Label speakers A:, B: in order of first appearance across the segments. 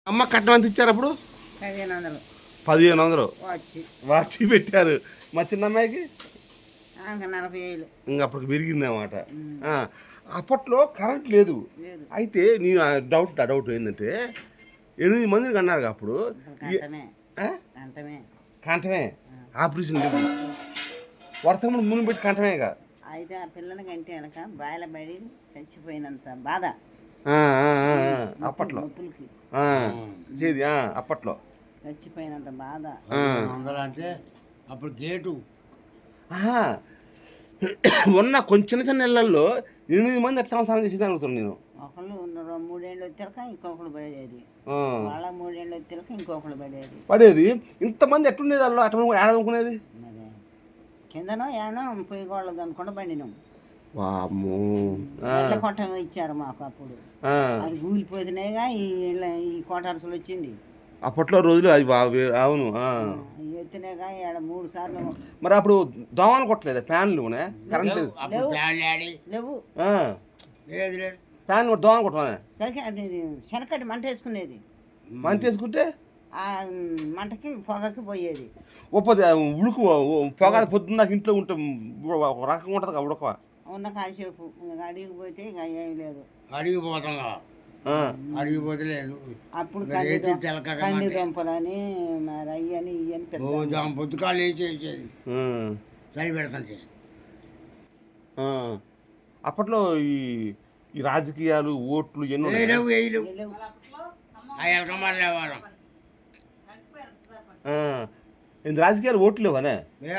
A: అమ్మ కట్నం ఎంత ఇచ్చారు అప్పుడు?
B: 1500.
A: 1500
B: వాచి
A: పెట్టారు. మా చిన్న అమ్మాయికి
B: 40,000.
A: ఇంకా అప్పటికి పెరిగింది అన్నమాట. అప్పట్లో కరెంట్ లేదు. అయితే నేను డౌట్ ఏంటంటే 8 మందిని కన్నారు అప్పుడు. కంఠమే ఆపరేషన్ లేదు, వర్షం ముందు పెట్టి కంఠమేగా.
B: అయితే ఆ పిల్లల కంటే వెనక బాయిల పడి చచ్చిపోయినంత బాధ
A: అప్పట్లో చేది. అప్పట్లో
B: చచ్చిపోయినంత బాధ.
C: అంటే అప్పుడు గేటు
A: ఉన్న కొంచెం చిన్న నెలల్లో 8 మంది ఎట్లా సంసారం చేసేది అడుగుతున్నాను నేను.
B: ఒకళ్ళు 3 ఏళ్ళు వచ్చాక ఇంకొకళ్ళు పడేది, వాళ్ళ 3 ఏళ్ళు వచ్చాక ఇంకొకళ్ళు
A: పడేది. ఇంతమంది ఎట్లుండేది వాళ్ళు అట్లా ఏడనుకునేది?
B: మరి కిందనో ఏనో పొయ్యి గోళ్ళది అనుకుండా పండినాం. కొట్టం ఇచ్చారు మాకు అప్పుడు. అది కూలిపోతున్నాయిగా ఈ కోటార్సులు వచ్చింది
A: అప్పట్లో రోజులు. అది అవును
B: ఎత్తినాయిగా 3 సార్లు.
A: మరి అప్పుడు దోమలు కొట్టలేదు, ఫ్యాన్లు కరెంట్
B: లేవు.
A: ఫ్యాన్ దోమలు కొట్టమనే
B: శనకటి మంట వేసుకునేది.
A: మంట వేసుకుంటే
B: ఆ మంటకి పొగకి పోయేది.
A: ఉడుకు పొగ పొద్దున్న నాకు ఇంట్లో ఉంటే ఒక రకంగా ఉంటుంది కదా ఉడక.
B: ఉన్న కాసేపు అడిగి పోతే ఇక ఏం లేదు,
C: అడిగిపోతలేదు.
B: అప్పుడు కంది దుంపలని మరి అయ్యని ఇవని
C: పొద్దుకాలు వేసేది సరి పెడతాంటే.
A: అప్పట్లో ఈ రాజకీయాలు ఓట్లు ఎన్నో రాజకీయాలు ఓట్లు లేవనే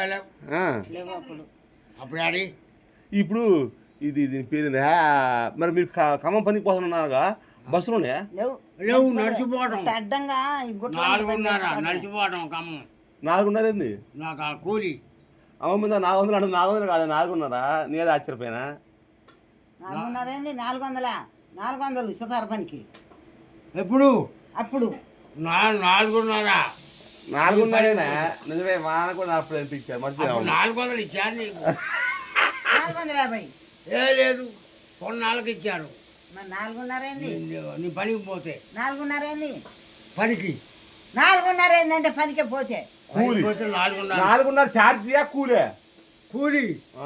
C: అప్పుడు ఆడి.
A: ఇప్పుడు దీని పేరు మరి మీరు ఖమ్మం పనికి పోతున్నారుగా, బస్సులోనే
C: లేవు నడిచిపోవడం.
B: అడ్డంగా
C: 4:30 నడిచిపోవడం ఖమ్మం.
A: 4:30 ఏంది
C: నాకు ఆ కూలి
A: అమ్మ మీద 400 అంటే 400 కాదు 4:30. నేనే ఆశ్చర్యపోయినా.
B: 4:30 ఏంది 400 సుతార పనికి
C: ఎప్పుడు?
B: అప్పుడు
C: 4:30.
A: 4:30 నిజమే. వాన కూడా అప్పుడు అనిపించారు. మంచి
C: 400 ఇచ్చారు నీకు?
B: 450
C: ఏ లేదు, కొన్నాళ్ళకి ఇచ్చారు.
B: మరి 4:30 ఏంది
C: నీ పనికి పోతే?
B: 4:30 ఏంది
C: పనికి?
B: 4:30 ఏంటంటే పనికే పోతే
A: కూలి 4:30 ఛార్జీయా కూలే? కూలే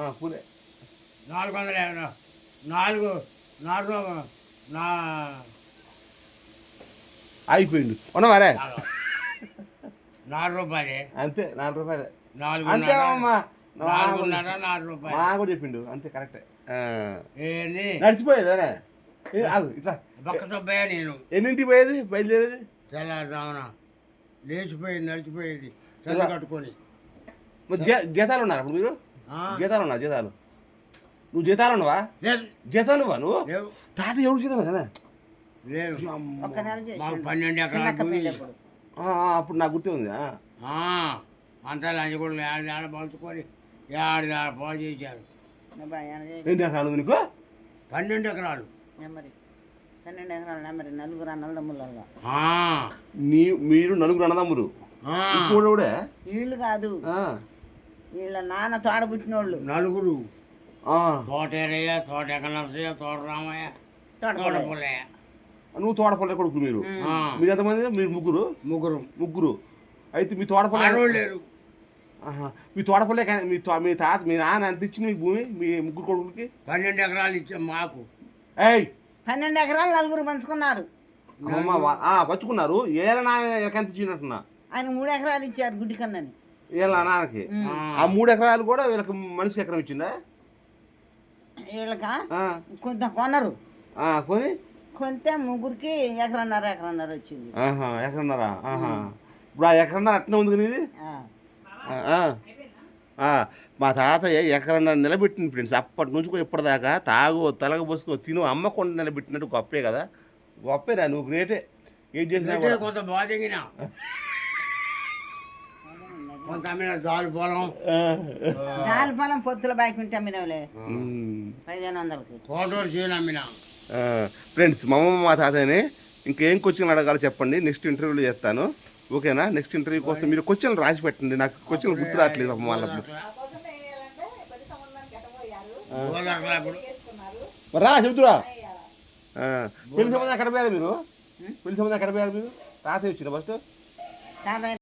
C: 400. 4
A: అయిపోయింది ఉన్నవారే.
C: 4 రూపాయలే అంతే.
A: 4 రూపాయలే
C: 4
A: అంతే అమ్మా.
C: 4 రూపాయలు
A: మా కూడా చెప్పిండు అంతే. కరెక్టే.
C: ఏంది
A: నడిచిపోయేదే ఇట్లా
C: పక్క సబ్బయ్య. నేను
A: ఎన్నింటికి పోయేది బయలుదేరేది?
C: తెల్లారుజామున లేచిపోయేది, నడిచిపోయేది చల్లి కట్టుకొని.
A: జీతాలు ఉన్నారు అప్పుడు మీరు? జీతాలు ఉన్నా? జీతాలు నువ్వు జీతాలు ఉన్నావా? జీతాలు నువ్వా నువ్వు? తాత ఎవరు జీతాలు కదా?
C: లేదు, 12 ఎకరాలు.
A: అప్పుడు నాకు గుర్తే ఉంది.
C: అంతా లంచ కూడా ఆడ పంచుకొని ఆడ పాడు చేశారు.
A: ఎన్ని ఎకరాలు నీకు?
C: 12 ఎకరాలు.
B: 12 ఎకరాలు నెంబర్. 4 అన్నదమ్ములలో
A: మీరు 4 అన్నదమ్ములు. కూడా
B: వీళ్ళు కాదు, వీళ్ళ నాన్న తోడబుట్టినోళ్ళు
C: 4. తోటేరయ్య, తోట ఎకనరసయ్య, తోట రామయ్య, తోట పుల్లయ్య.
A: నువ్వు తోటపల్లె కొడుకు. మీరు ఎంతమంది? మీరు ముగ్గురు. అయితే మీ తోటపల్లె
C: లేరు.
A: మీ తోటపల్లె మీ నాన్న ఎంత ఇచ్చింది మీకు భూమి మీ ముగ్గురు కొడుకులకి?
C: 12 ఎకరాలు ఇచ్చాం మాకు.
B: 12 ఎకరాలు 4 పంచుకున్నారు.
A: పంచుకున్నారు. ఏళ్ళ నాన్న ఎంత ఇచ్చినట్టున్నా?
B: ఆయన 3 ఎకరాలు ఇచ్చారు గుడ్డి కన్నని.
A: ఏళ్ళ నాన్నకి ఆ 3 ఎకరాలు కూడా వీళ్ళకి మనిషికి ఎకరం ఇచ్చిందా?
B: వీళ్ళక కొంత కొనరు.
A: కొని
B: కొంత ముగ్గురికి ఎకరన్నర వచ్చింది.
A: ఎకరన్నర. ఇప్పుడు ఆ ఎకరన్నర అట్నే ఉంది కదా ఇది. మా తాతయ్య ఎకరన్నర నిలబెట్టింది ఫ్రెండ్స్. అప్పటి నుంచి ఇప్పటిదాకా తలగ పోసుకో తిను అమ్మకుండా నిలబెట్టినట్టు గొప్పే కదా. గొప్పేరా, నువ్వు గ్రేటే. ఏం చేసినా
C: కొంత బాధగిన కొంత జాలి
B: పొలం పొత్తుల బాకి ఉంటే అమ్మినవులే 1500కి.
C: కోటూరు చేయను అమ్మినా.
A: ఫ్రెండ్స్ మా తాతయ్యని ఇంకేం క్వశ్చన్ అడగాలో చెప్పండి, నెక్స్ట్ ఇంటర్వ్యూలో చేస్తాను. ఓకేనా? నెక్స్ట్ ఇంటర్వ్యూ కోసం మీరు క్వశ్చన్లు రాసి పెట్టండి. నాకు క్వశ్చన్లు గుర్తు రావట్లేదు. మళ్ళీ రా చెబుతురా. పెళ్లి సంబంధం ఎక్కడ పోయారు మీరు? తాతయ్య వచ్చిన ఫస్ట్
B: తాతయ్య